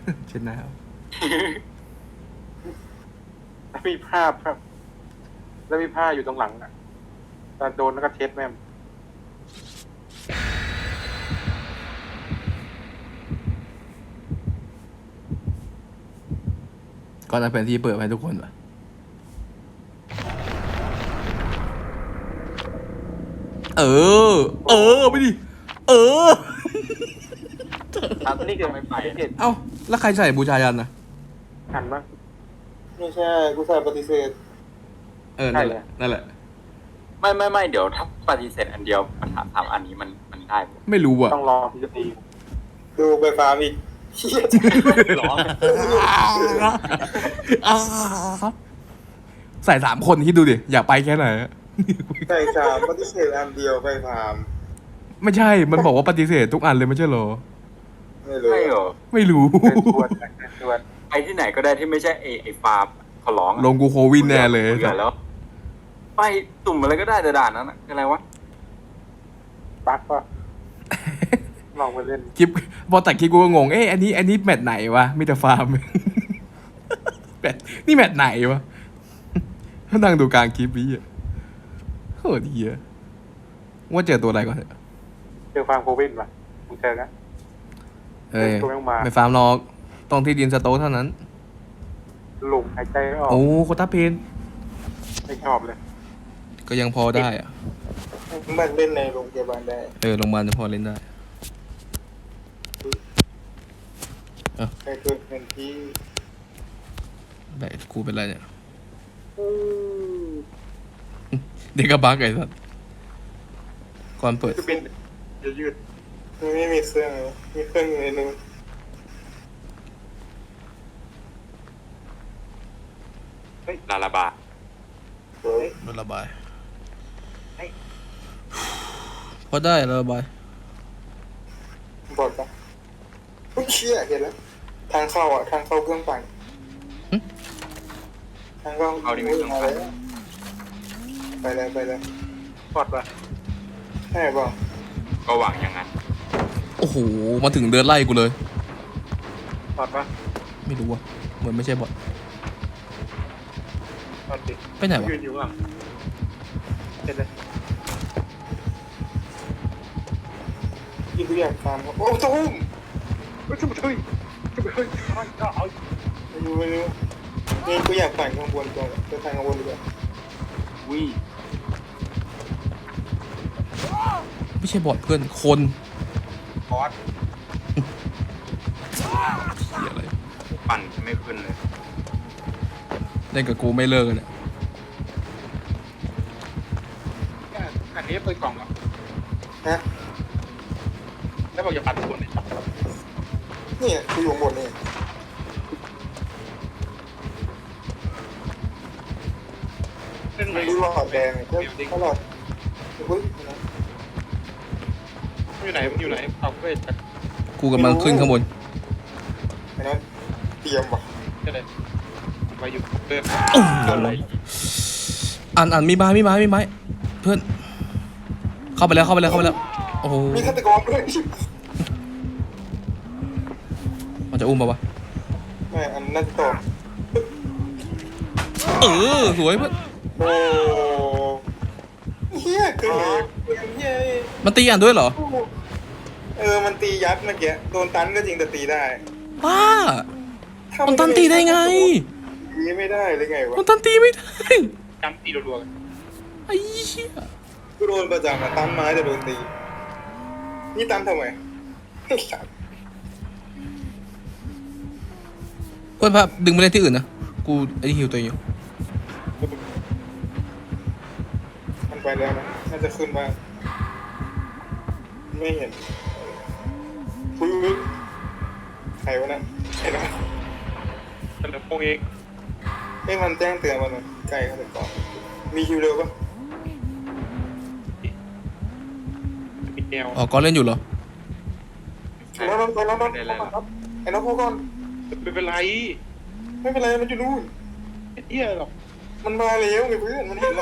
เช็ดหน้าแล้วมีผ้าครับแล้วมีผ้าอยู่ตรงหลังอ่ะตอนโดนแล้วก็เช็ดแม่มก่อนเอาแผนที่เปิดให้ทุกคนป่ะเออไปดิครับนี่คือไม่ไปเอ้าแล้วใครใส่บูชายันนะหันมาไม่ใช่กูใส่ปฏิเสธนั่นแหละไม่เดี๋ยวถ้าปฏิเสธอันเดียวปัญหา3อันนี้มันได้ปะไม่รู้อ่ะต้องรอที่จะตีดูไปฟาร์มอีกเหี้ยร้องใส่3 คนคิดดูดิอยากไปแค่ไหนใส่สามปฏิเสธอันเดียวไปฟาร์มไม่ใช่มันบอกว่าปฏิเสธทุกอันเลยไม่ใช่เหรอไม่รู้ใช่เหรอไม่รู้เป็นชวนไปที่ไหนก็ได้ที่ไม่ใช่ไอฟาร์มขอร้องอะลงกูโควินแน่เลยบื่อแล้ว ไปตุ่มอะไรก็ได้แต่ด่านนั้นอะอะไรวะปักก็ลองไปเล่นคลิปพอตัดคลิปกูก็งงอันนี้แมตช์ไหนวะมีแต่ฟาร์ม นี่แมตช์ไหนวะนั่งดูกลางคลิปนี้อ่ะโคตรเหี้ยว่าเจอตัวอะไรก่อนเถอะเจอฟาร์มโควินป่ะมึงเจอนะเอ้ยตัวแม่งมาไม่ฟาร์มหรอกต้องที่ดินสโต๊กเท่านั้นหลุมหายใจไม่ออกโอ้โคตาเพนไม่ชอบเลยก็ยังพอได้อะมันเล่นในโรงพยาบาลได้โรงพยาบาลจะพอเล่นได้ใครเกิดเป็นที่แต่กูเป็นไรเนี่ยเด็กกระบักไอ้สัสก่อนเปิดคือเป็นยืดมันไม่มีเครื่องเลยมีเครื่องอยู่ในนู้นลาลาบาเฮ้ยมันระบายพอได้ระบายบอกปะอุ้ยเชี่ยเห็นแล้วทางเข้าอ่ะทางเข้าเครื่องปั่นทางเข้ามาแล้วไปเลยปอดป่ะใช่ป่ะก็หวังอย่างนั้นโอ้โหมาถึงเดินไล่กูเลยปอดป่ะไม่รู้ว่ะเหมือนไม่ใช่บอทปอดดิไปไหนวะยืนอยู่ข้างหลังเห็นเลยที่กูอยากฟาร์มโอ้ตุ้มจะมาช่วยเอาไม่รู้นี่กูอยากปั่นข้างบนก่อนจะทางข้างบนดีกว่าวิไม่ใช่บอทเพื่อนคนปอดเหี้ยอะไรปั่นไม่ขึ้นเลยเล่นกับกูไม่เลิกเลยเนี่ยอันนี้เปิดกล่องเหรอฮะแล้วบอกอย่าปัดคนเลยนี่กูอยู่ข้างบนนี่เล่นมัไม่นดูหลอดแดงก็หลอดอุ้ยอยู่ไหนมันอยู่ไหนเอาเวทกูกำลังขึ้นข้างบนไอ้นั้นเตรียมว่ะก็เลยไปอยู่เดินอะไรอ่านมีไม้เพื่อนเข้าไปแล้วโอ้โหมีฆาตกรด้วยมันจะอุ้มปะวะไม่อันนั้นต่อสวยเพื่อนโอ้เฮียเกิดเฮียมันตีอ่านด้วยเหรอมันตียัดเมื่อกี้โดนตันก็จริงแต่ตีได้ป้ามันตันตีได้ไงตีไม่ได้เลยไงวะมันตันตีไม่ได้จำตีรัวๆกันไอ้เหี้ยกูโดนประจำอะตันไม้จะโดนตีนี่ตันทำไมเพื่อนพาดึงไปเล่นที่อื่นนะกูไอ้นี่ฮิวตัวเองอยู่มันไปแล้วนะน่าจะขึ้นบ้างไม่เห็นอุ้ยใครวะนั่นใครนะเฉลิมพงษ์เองมันแจ้งเตือนมาหน่อยใกล้เขาเลยก่อนมีคิวเร็วปะมีแก้วอ๋อก็เล่นอยู่เหรอน้องครับไอ้น้องพูดก่อนไม่เป็นไรไม่เป็นไรมันอยู่นู่นไม่เที่ยหรอกมันมาแล้วไงเพื่อนมันเห็นเรา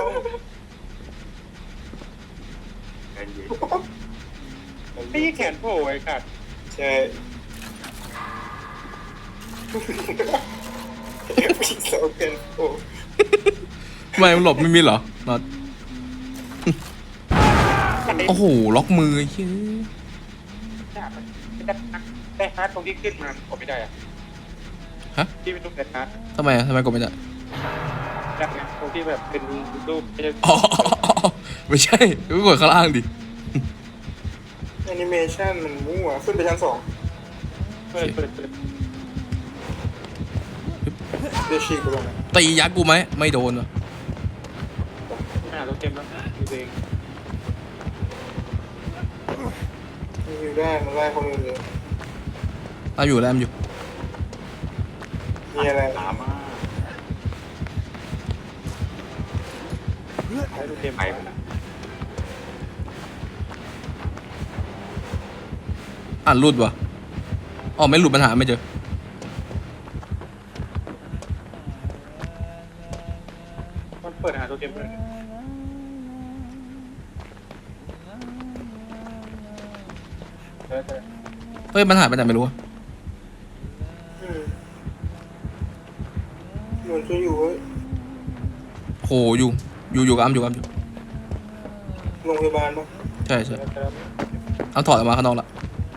ใจเย็นไม่ใช่แขนโผล่ไอ้ขาดใช่พี่สาวเป็นโอ้ทำไมมันหลบไม่มีเหรอน็อตโอ้โหล็อกมือไอ้เหี้ยได้ฮาร์ดตรงที่ขึ้นมาผมไม่ได้อะฮะที่เป็นรูปแต่ฮาร์ดทำไมอะทำไมกดไม่ได้แบบนี้ตรงที่แบบเป็นรูปไม่ใช่อ๋อไม่ใช่ก็กดข้างล่างดิแอนิเมชันมันมั่วขึ้นไปชั้น2 เปิดเดี๋ยวฉีกไปตรงนั้นตียักษ์กูไหมไม่โดนวะหน้าตัวเต็มแล้วดูเองมีอยู่ได้มันไล่คนอื่นเลยตามอยู่แล้วตามอยู่มีอะไรตามมาใช้ตัวเต็มไปมันอะอ่านรูดวะอ๋อไม่หลุดปัญหาไม่เจอมันเปิดหาตัวเต็มเลยเจอเฮ้ยปัญหาไปไหนไม่รู้อะอืมเหมือนจะอยู่เว้ยโหอยู่กับอ้ำอยู่กับอ้ำอยู่โรงพยาบาลปะใช่ใช่เจออ้ำถอดออกมาข้างนอกละ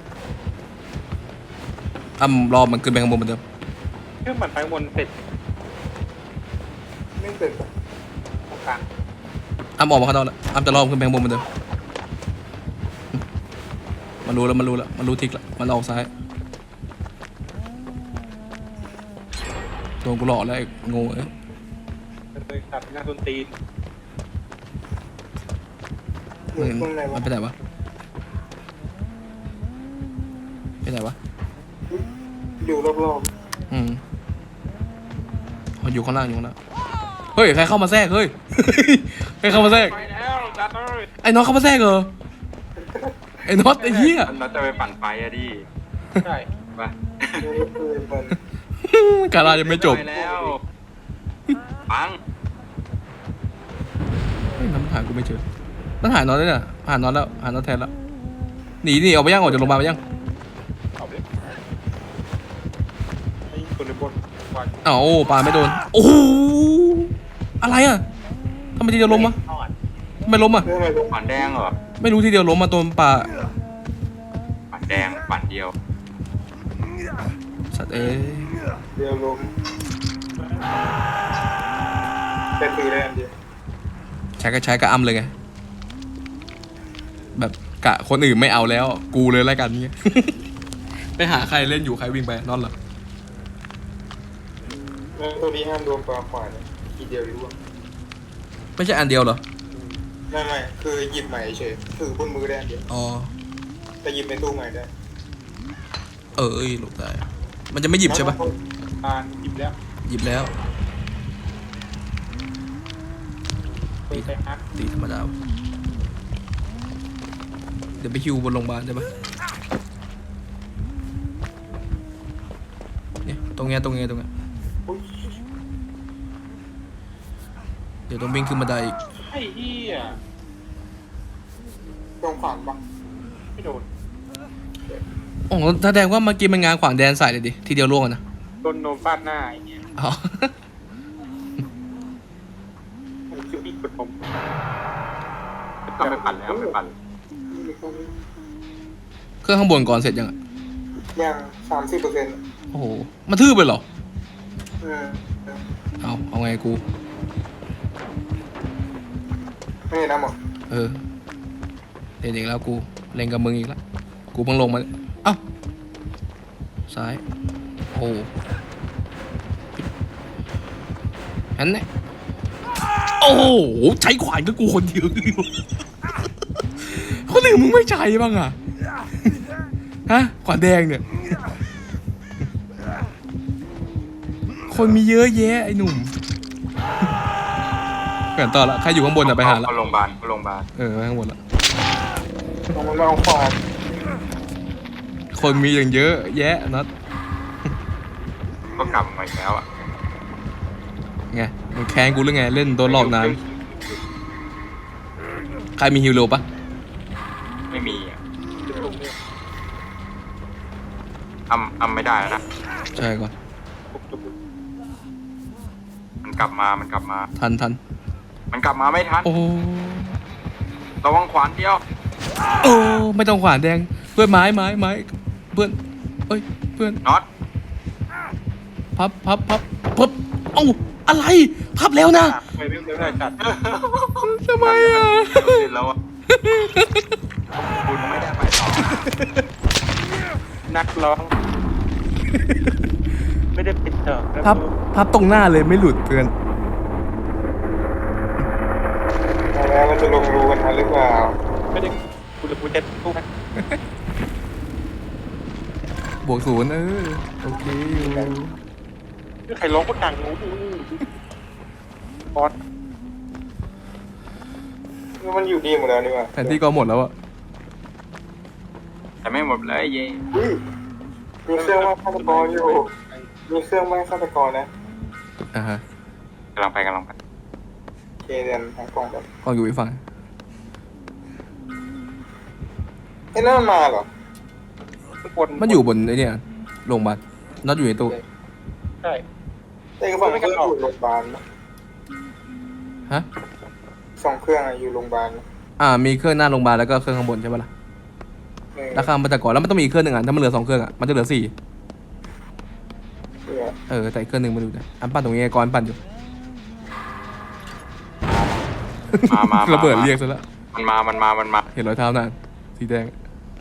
อ้ำรอมันขึ้นไปข้างบนเหมือนเดิมเครื่องปั่นไฟบนเสร็จไม่เสร็จปะตรงกลางอ้ำออกมาข้างนอกละอ้ำจะรอมันขึ้นไปข้างบนเหมือนเดิมมันรู้แล้วมันรู้ทิกละมันออกซ้ายโดนกูหลอกแล้วไอ้โง่เอ้ยเลยตัดหน้าต้นตีนอยู่ตรงไหนมัวะนไปไหนวะไปไหนวะอยู่รอบอืมอ๋ออยู่ข้างล่างเฮ้ยใครเข้ามาแทรกเฮ้ย ใครเข้ามาแทรกไปแล้วจัดเลยไอ้น็อตเข้ามาแทรกเหรอไอ้น็อตไอ้เหี้ยเราจะไปปั่นไฟอะดิใช่ไปๆไม่เคยมันการายังไม่จบปแล้วปังเฮ้ยน้ำหากูไม่เจอมันหาน็อตแล้วเนี่ยหาน็อตแล้วหาน็อตแทนแล้วหนีออกไปยังออกจากโรงพยาบาลไปยังเอาไปไอ้คนในบนวันอ้าวโอ้ปาไม่โดนโอ้โหอะไรอ่ะทำไมทีเดียวล้มวะทอดทำไมล้มอ่ะเรื่องอะไรลงปั่นแดงเหรอไม่รู้ทีเดียวล้มมาตัวป่าปั่นแดงปั่นเดียวสัตว์เอ้ยเดี๋ยวลงแต่ถือได้อันเดียวใช้ก็อ้ำเลยไงแบบกะคนอื่นไม่เอาแล้ว กูเลยแล้วกันเงี้ย ไปหาใครเล่นอยู่ใครวิ่งไปนอนเหรอแล้วตัวนี้ห้ามโดนปลาขวานเนี่ยทีเดียวรู้ว่าไม่ใช่อันเดียวเหรอไม่คือหยิบใหม่เฉยถือบนมือได้อันเดียวอ๋อแต่หยิบในตู้ใหม่ได้เอ้ยหลบได้มันจะไม่หยิบใช่ปะอ่านหยิบแล้วหยิบแล้วตีไปฮักตีธรรมดาวะเดี๋ยวไปฮิวบนโรงพยาบาลได้ปะเนี่ยตรงเนี้ยอุ๊ยเดี๋ยวต้องวิ่งขึ้นบันไดอีกไอ้เหี้ยตรงขวางปะไม่โดนโอ้โหแสดงว่าเมื่อกี้มันงานขวางแดนใส่เลยดิทีเดียวล่วงอะนะโดนโนมฟาดหน้าไอ้เหี้ยอ๋อมันคืออีกคนผมต้องไปปั่นแล้วไปปั่นเครื่องข้างบนก่อนเสร็จยังอะยัง30% โอ้โหมันทื่อไปเหรอเออเอาไงกูไม่เห็นนะหมดเออเล่นอีกแล้วกูเล่นกับมึงอีกแล้วกูเพิ่งลงมาเอ้าซ้ายโอ้อันนี้โอ้โหใช้ขวานก็กูคนเดียวอยู่ คนอื่นมึงไม่ใช้บ้างอะฮะขวานแดงเนี่ย คนมีเยอะแยะไอ้หนุ่มเปลี่ยนต่อละใครอยู่ข้างบนอะไปหาละเข้าโรงพยาบาลเออไปข้างบนละลองมันมาเอาขวานคนมีอย่างเยอะแยะนัดก็กลับมาอีกแล้วอ่ะไงมึงแค้นกูหรือไงเล่นโดนหลอกนานใครมีฮิวโรปะไม่มีอ่ะตรงเนี้ยอ้ำไม่ได้แล้วนะใช่ก่อนกลับมามันกลับมาทันมันกลับมาไม่ทันโอ้ระวังขวานเดียวโอ้ไม่ต้องขวานแดงเพื่อนไม้เพื่อนเอ้ยเพื่อนน็อตพับเอ้าอะไรพับแล้วนะไม่ได้จัดทำไมอ่ะเสร็จแล้วอะคุณไม่ได้ไปต่อนักร้อง ไม่ได้ปิดเถอะพับตรงหน้าเลยไม่หลุดเพื่อนแล้วมันจะลงรูกันทันหรือเปล่าไม่ได้กูจะตู้บวก0โอเคอยู่ใครร้องก็ดังงูบอสมันอยู่ดีหมดแล้วนี่หว่าแผนที่ก็หมดแล้วอะแต่ไม่หมดเลยเย่อุ้ยมีเครื่องไม้ฆาตกรอยู่มีเครื่องไม้ฆาตกรนะอ่าฮะกำลังไปเคเรียนทางกล่องแบบก็อยู่อีกฝั่งไอ้นั่นมันมาเหรอทุกคนมันอยู่บนไอ้เนี่ยโรงพยาบาลน็อตอยู่ในตู้ใช่ไอ้ฝั่งเครื่องอยู่โรงพยาบาลนะฮะสองเครื่องอยู่โรงพยาบาลนะมีเครื่องหน้าโรงพยาบาลแล้วก็เครื่องข้างบนใช่ปะล่ะราคามันจะก่อนแล้วมันต้องมีอีกเครื่องหนึ่งอ่ะถ้ามันเหลือ2เครื่องอ่ะมันจะเหลือ4แต่อีกเครื่องหนึ่งมาดูนะอันปั้นตรงนี้ไอ้ก้อนปั้นอยู่มาระเบิดเรียกซะแล้วมันมาเห็นรอยเท้านานสีแดง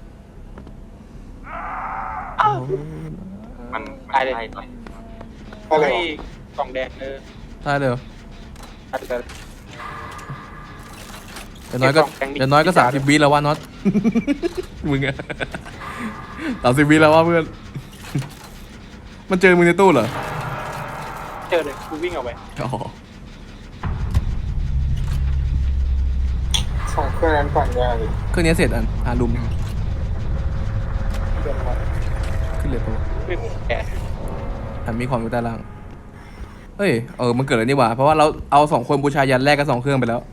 มันไล่ต่อยอะไรให้วะกล่องแดงใช่เลยเหรออาจจะอย่างน้อยก็30 วิแล้วว่าน็อต มึงอะ30 วิแล้วว่าเพื่อน มันเจอมึงในตู้เหรอเจอเลยกูวิ่งออกไปอ๋อสองเครื่องนั้นปั่นยากเลยเครื่องนี้เสร็จหาลุมเดินมาขึ้นเลยตัววิ่งแกะมีของอยู่ใต้ล่างมันเกิดอะไรนี่หว่าเพราะว่าเราเอา2คนบูชายันแรกกับ2เครื่องไปแล้ว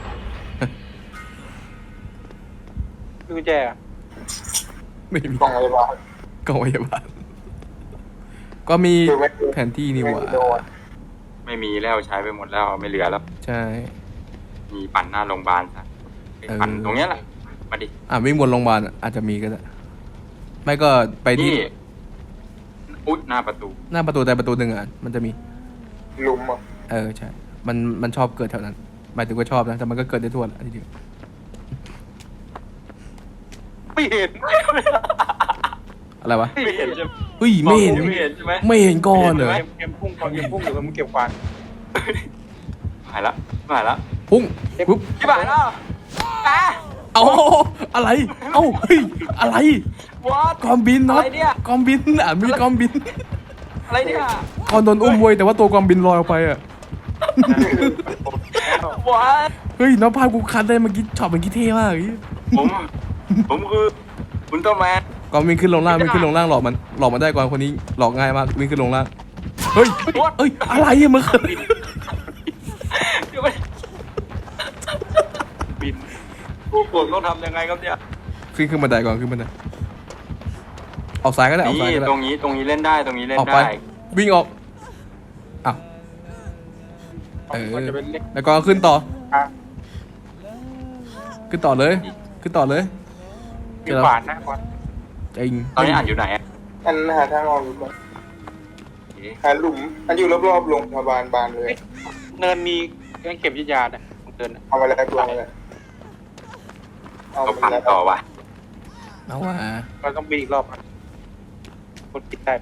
กุญแจอะไม่มีกล่องอะไรบ้างกองพยาบาลก็มีแผนที่นี่หว่าไม่มีแล้วใช้ไปหมดแล้วไม่เหลือแล้วใช่มีปั่นหน้าโรงพยาบาลซะปั่นตรงเนี้ยแหละมาดิวิ่งบนโรงพยาบาลอาจจะมีก็ได้ไม่ก็ไปที่นี่อุ๊ยหน้าประตูหน้าประตูแต่ประตูหนึ่งมันจะมีหลุมอ่ะใช่มันชอบเกิดแถวนั้นหมายถึงว่าชอบนะแต่มันก็เกิดได้ทั่วแหละทีเดียวไม่เห็นอะไรวะไม่เห็นใช่ไหมเฮ้ยไม่เห็นไม่เห็นใช่ไหมไม่เห็นก่อนเหรอเกมพุ่งก่อนเกมพุ่งอยู่กับมึงเก็บควานหายละพุ่งปุ๊บที่บ้านแล้วเอาอะไรเอ้าเฮ้ยอะไร What กอมบินน็อตอะไรเนี่ยกอมบินมีกอมบินอะไรเนี่ยก่อนโดนอุ้มเว้ยแต่ว่าตัวกอมบินลอยออกไปอ่ะ What เฮ้ยน้องพากูคัดได้เมื่อกี้ช็อตเมื่อกี้เท่มากผมคืออุลตร้าแมนก่อนวิ่งขึ้นลงล่างวิ่งขึ้นลงล่างหลอกมันได้ก่อนคนนี้หลอกง่ายมากวิ่งขึ้นลงล่างเฮ้ยอะไรอะมึงเดี๋ยวไปบินผมต้องทำยังไงครับเนี่ยขึ้นบันไดก่อนขึ้นบันไดออกซ้ายก็ได้ออกซ้ายนี่ก็ได้ตรงนี้เล่นได้ตรงนี้เล่นออกไปได้วิ่งออกอ้าวมันจะเป็นเล็กแล้วก็ขึ้นต่อขึ้นต่อเลยมีขวานนะก่อนจริงตอนนี้อ่านอยู่ไหนอะอันหาทางออกอยู่ก่อนหาหลุมอันอยู่รอบๆโรงพยาบาลบานเลยเนินมีเครื่องเก็บยานะเดินเอามาแล้วตัวมาแล้วเอาก็มาปั่นแล้วต่อว่ะเอาว่ะเราต้องบินอีกรอบกดปิดได้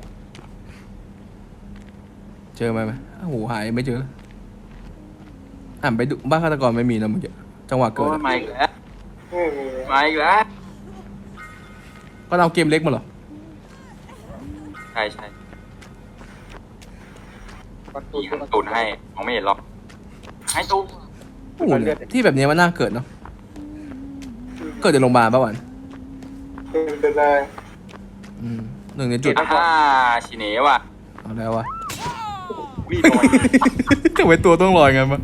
เจอไหมโอ้โหหายไม่เจอไปดูบ้านฆาตกรไม่มีนะมึงจังหวะเกิดโอ้ยมาอีกแล้วไม่มีมาอีกแล้วก็เอาเกมเล็กมาเหรอใช่ประมีหันตูนให้มองไม่เห็นหรอกให้ตูนโอ้โหที่แบบนี้มันน่าเกิดเนาะเกิดในโรงพยาบาลป่ะวันเป็นไปได้หนึ่งในจุดชิเนะว่ะเอาแล้ววะวิ่งลอยทำไมตัวต้องลอยงั้นวะ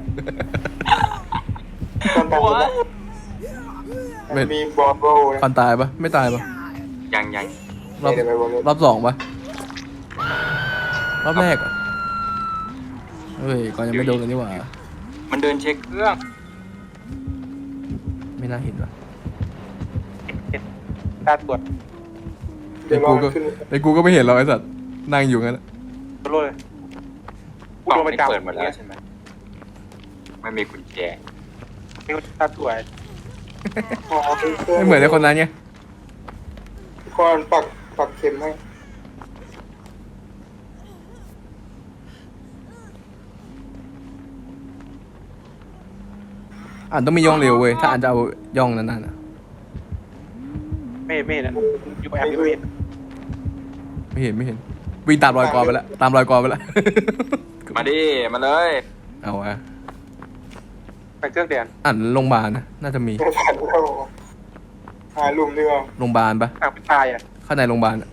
ตอนตายไม่มีบอลโบนะก่อนตายปะไม่ตายปะยังรอบเดี๋ยวไปบอลโบรอบ2ปะรอบแรกอะเฮ้ยก่อนยังไม่โดนกันนี่หว่ามันเดินเช็คเครื่องไม่น่าเห็นว่ะเห็นตาตรวจเดี๋ยวลองขึ้นไอ้กูก็ไม่เห็นหรอกไอ้สัตว์นั่งอยู่งั้นโลเลยกล่องนี้เปิดหมดแล้วใช่ไหมไม่มีกุญแจมีคนตาตรวจอ๋อเป็นเครื่องไม่เหมือนไอ้คนนั้นไงก่อนปักเข็มให้อ่านต้องมีย่องเร็วเว้ยถ้าอ่านจะเอาย่องนานๆอะไม่เห็นนะอยู่แอปไม่เห็นไม่เห็นวิ่งตามรอยกอไปแล้วตามรอยกอไปแล้วมาดิมาเลยเอาวะไปเครื่องแดนอ่านโรงพยาบาลนะน่าจะมีไม่ทันเข้าหาหลุมดีกว่าโรงพยาบาลปะอ่างเป็นตายอ่ะข้างในโรงพยาบาลอะ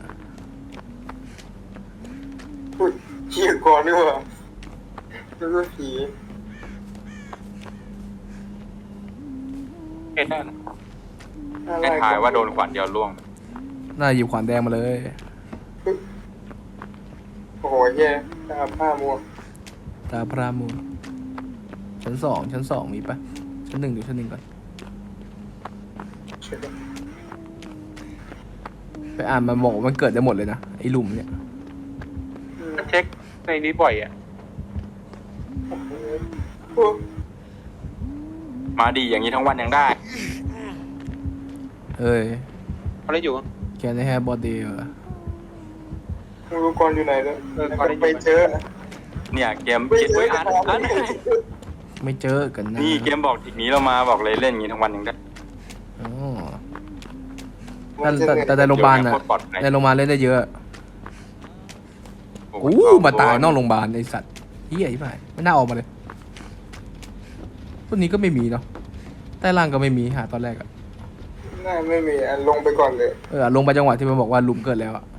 อุ้ยเหี้ยก่อนดีกว่าแล้วก็ผีเห็นได้นะให้ทายว่าโดนขวานเดียวล่วงน่าหยิบขวานแดงมาเลยโอ้โหแย่ตาผ้ามัวตาพรามูชั้นสองมีปะชั้นหนึ่งดูชั้นหนึ่งก่อนเช็ดไปอ่านมาบอกว่ามันเกิดได้หมดเลยนะไอ้หลุมเนี่ยเช็คในนี้บ่อยอ่ะโอ้มาดีอย่างนี้ทั้งวันยังได้เอ้ยเขาได้อยู่แค่ในแฮร์บอดี้เหรอไม่รู้ก่อนอยู่ไหนแล้วไปเจอเนี่ยเกมไม่เกมเจออ่านไม่เจอกันนะนี่เกมบอกทีนี้เรามาบอกเลยเล่นอย่างนี้ทั้งวันยังได้อ๋อแต่ในโรงพยาบาลน่ะโคตรปลอดภัยในโรงพยาบาลเล่นได้เยอะโอ้โอ้โหมาตายนอกโรงพยาบาลไอสัตว์เฮียที่ไหนไม่น่าออกมาเลยพวกนี้ก็ไม่มีเนาะใต้ล่างก็ไม่มีหาตอนแรกอะน่าไม่มีลงไปก่อนเลยลงไปจังหวะที่มันบอกว่าหลุมเกิดแล้วอะ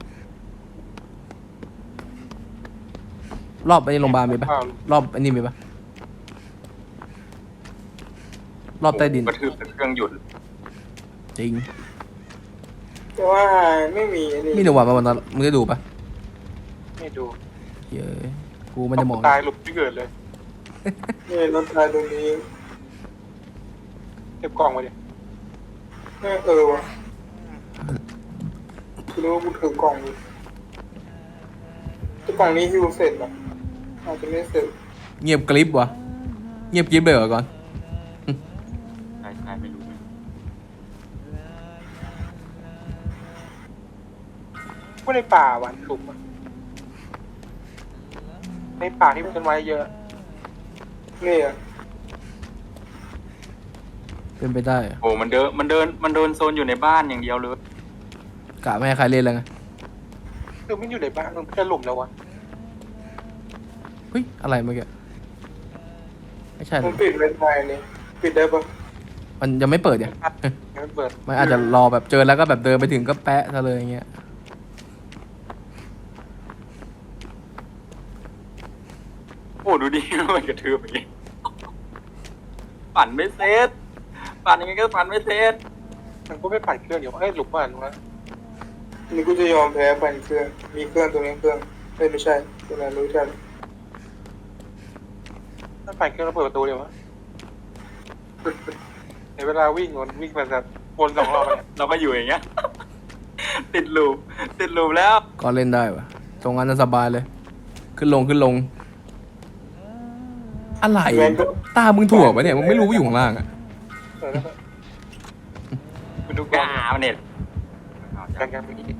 รอบไอ้โรงพยาบาลมีปะรอบไอ้นี่มีปะรอบใต้ดินกระทืบจนเครื่องหยุดจริงแต่ว่าไม่มีอันมีนี้หนูว่ามาวันนั้นมึงได้ดูปะไม่ดูเฮ้ยกูไม่ได้มองตายหลุดที่เกิดเลยนี่รถตายตรงนี้เก็บกล่องไว้ดิว่ะคือรู้ว่ากูถือกล่องอยู่แต่กล่องนี้ฮิวเสร็จอ่ะอาจจะไม่เสร็จเงียบกริบวะเงียบกริบเลยเหรอก่อนใช่ใช่ไม่รู้ก็ในป่าหวานสุกอะในป่าที่มีต้นไม้เยอะนี่อ่ะเป็นไปได้อะโอ้มันเดินโซนอยู่ในบ้านอย่างเดียวเลยกะไม่ให้ใครเล่นแล้วไงคือไม่อยู่ในบ้านมันจะหลุมแล้ววะเฮ้ยอะไรเมื่อกี้ไม่ใช่หรมัอนปิดเป็นไงนี่ปิดได้ปะมันยังไม่เปิดเนี่ยยังไม่เปิดมันอาจจะรอแบบเจอแล้วก็แบบเดินไปถึงก็แปะซะเลยอย่างเงี้ยโอ้ดูดิ มันกระทืบอย่างนี้ปั่นไม่เสร็จปั่นยังไงก็ปั่นไม่เสร็จมันก็ไม่ปั่นเครื่องอยู่หลุมมันวะนี่กูจะยอมแพ้ปั่นเครื่องมีเครื่องตัวนี้เครื่องไม่ใช่ตัวนั้นรู้ทันถ้าปั่นเครื่องแล้วเปิดประตูเดี๋ยววะในเวลาวิ่งมันจะวนสองรอบเนี่ยเราก็อยู่อย่างเงี้ย ติดลูปแล้วก็เล่นได้ปะตรงนั้นน่ะสบายเลย ขึ้นลงอะไรตามึงถ่วงปะเนี่ยมึงไม่รู้ว่าอยู่ข้างล่างอะคุณดูกล้กองล้ามันเน็ตกันเมื่อกี้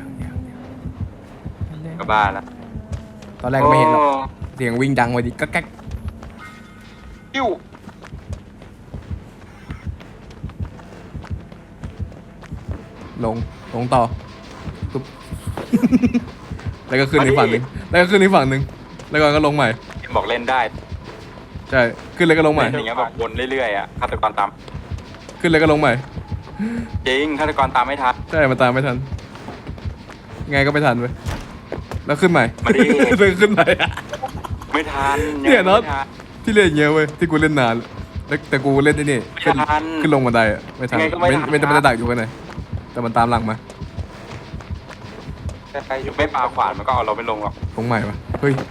ยังก็บ้าแล้วตอนแรกก็ไม่เห็นหรอกเสียงวิ่งดังไปดิก็แก๊กปิ้วลงต่อปุ๊บ แล้วก็ขึ้นอีกฝั่งหนึ่งแล้วก็ลงใหม่บอกเล่นได้ใช่ขึ้นเลยก็ลงใหม่อย่างเงี้ยแบบวนเรื่อยๆอ่ะฆาตกรตามขึ้นเลยก็ลงใหม่จริงฆาตกรตามไม่ทันใช่มันตามไม่ทันไงก็ไม่ทันเว้ยแล้วขึ้นใหม่มาดิแล้วขึ้นใหม่ไม่ทันเนี่ยเนอะไม่ทันที่เล่นอย่างเงี้ยเว้ยที่กูเล่นนานแล้วแต่กูเล่นที่นี่ไม่ทันขึ้นลงบันไดอะไม่ทันยังไงก็ไม่ทันไม่ได้ดักอยู่ข้างในแต่มันตามหลังมาแต่ไปอยู่ไม่ปาขวานมันก็เอาเราไม่ลงหรอกลงใหม่ปะเฮ้ย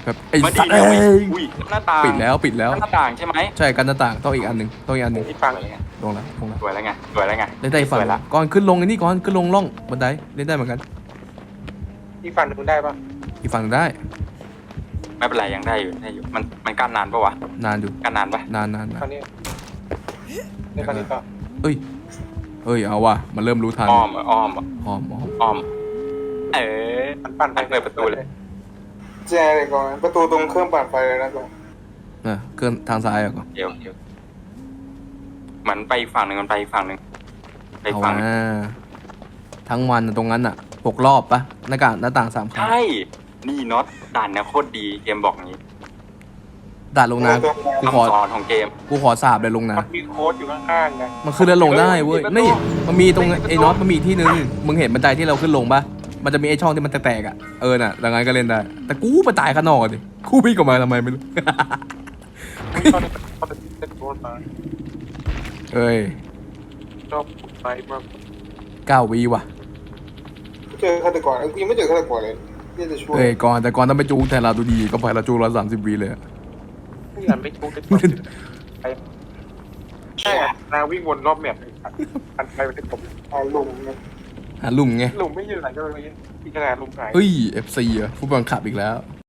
แบบไอ้มาสัดีตว์เดี๋ยวเอ้ยอุ้ยหน้าต่างปิดแล้วปิดแล้วหน้าต่างใช่ไหมใช่กันหน้าต่างต้องอีกอันหนึ่งต้องอีกอันหนึ่งที่ฟังลงแล้วลงแล้วสวยแล้วไงสวยแล้วไงเล่นได้อีกฝั่งสวยละก่อนขึ้นลงไอ้นี่ก่อนขึ้นลงล่องบันไดเล่นได้เหมือนกันที่ฟังมึงได้ปะอีกฝั่งหนึ่งได้ไม่เป็นไรยังได้อยู่มันกั้นนานปะวะนานอยู่กั้นนานปะนานคราวนี้ในคราวนี้ก็เอ้ยเอาว่ะมันเริ่มรู้ทันอ้อมอ้อมเออปั่นไปเปิดประตูเลยแจเลยก่อนประตูตรงเครื่องปั่นไฟเลยนะก่อนเครื่องทางซ้ายอ่ะก่อนเดี๋ยวมันไปอีกฝั่งหนึ่งมันไปอีกฝั่งหนึ่งไปอีเอากฝั่งหนึ่งทั้งวันน่ะตรงนั้นอ่ะ6 รอบปะหน้าต่าง3 ครั้งใช่นี่น็อตด่านเนี่ยโคตรดีเกมบอกงี้ด่านลงน้ำกูขอคำสอนของเกมสาบเลยลงน้มันมีโค้ดอยู่ข้างๆไงำมันขึ้นแล้วลงได้เว้ยนี่มันมีตรงไอ้น็อตมันมีที่นึงมึงเห็นบันไดที่เราขึ้นลงปะมันจะมีไอ้ช่องที่มันแตกๆอ่ะน่ะดังนั้นก็เล่นได้แต่กูมาตายข้างนอกดิกูวิ่งออกมาทำไมไม่รู้ตอนนี้เขาจะเซ็ตโค้ดมาเอ้ยชอบไปมาก 9 วิว่ะเจอฆาตกรกูยังไม่เจอฆาตกรเลยที่จะช่วยก่อนต้องไปจูงแต่เราดูดีก็ไปเราจูง130 วิเลยอะไม่อยากไม่ชุกได้ไปใช่นาวิ่งวนรอบแมปเลยปั่นไปเป็นผมเอาลงนะหาลุ่มไงลุงไม่ยืนไหนก็เลยที่ขนาดลุงหายเฮ้ย FC อ่ะฟุตบอลขับอีกแล้ว